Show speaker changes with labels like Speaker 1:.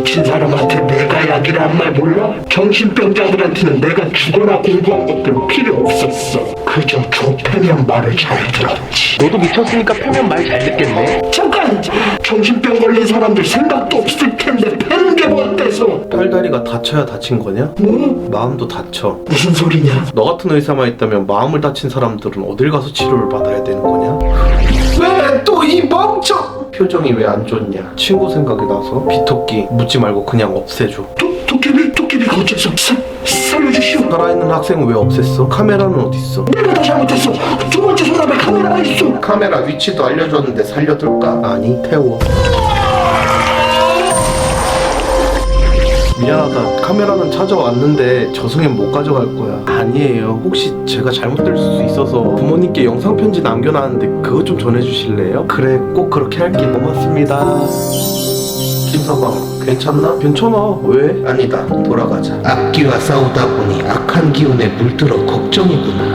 Speaker 1: 미친 사람한테 내가 약이란 말 몰라? 정신병자들한테는 내가 죽어라 공부한 것들 필요 없었어. 그저 조폐면 말을 잘 들었지.
Speaker 2: 너도 미쳤으니까 표면 말 잘 듣겠네.
Speaker 1: 잠깐! 정신병 걸린 사람들 생각도 없을 텐데 패는 게 뭐 어때서?
Speaker 2: 팔다리가 다쳐야 다친 거냐?
Speaker 1: 뭐?
Speaker 2: 마음도 다쳐.
Speaker 1: 무슨 소리냐?
Speaker 2: 너 같은 의사만 있다면 마음을 다친 사람들은 어딜 가서 치료를 받아야 되는 거냐?
Speaker 1: 왜 또 이 멍청!
Speaker 2: 표정이 왜 안 좋냐? 친구 생각이 나서 비토끼 묻지 말고 그냥 없애줘.
Speaker 1: 도깨비가 어째서 살려주시오.
Speaker 2: 살아있는 학생은 왜 없앴어? 카메라는 어딨어?
Speaker 1: 내가 다 잘못했어. 두 번째 서랍에 카메라가 있어.
Speaker 2: 카메라 위치도 알려줬는데 살려둘까? 아니, 태워. 미안하다. 카메라는 찾아왔는데 저승엔 못 가져갈 거야. 아니에요. 혹시 제가 잘못될 수 있어서 부모님께 영상 편지 남겨놨는데 그것 좀 전해주실래요? 그래, 꼭 그렇게 할게. 고맙습니다. 김서방, 괜찮나? 괜찮아. 왜? 아니다. 돌아가자. 악기와 싸우다 보니 악한 기운에 물들어 걱정이구나.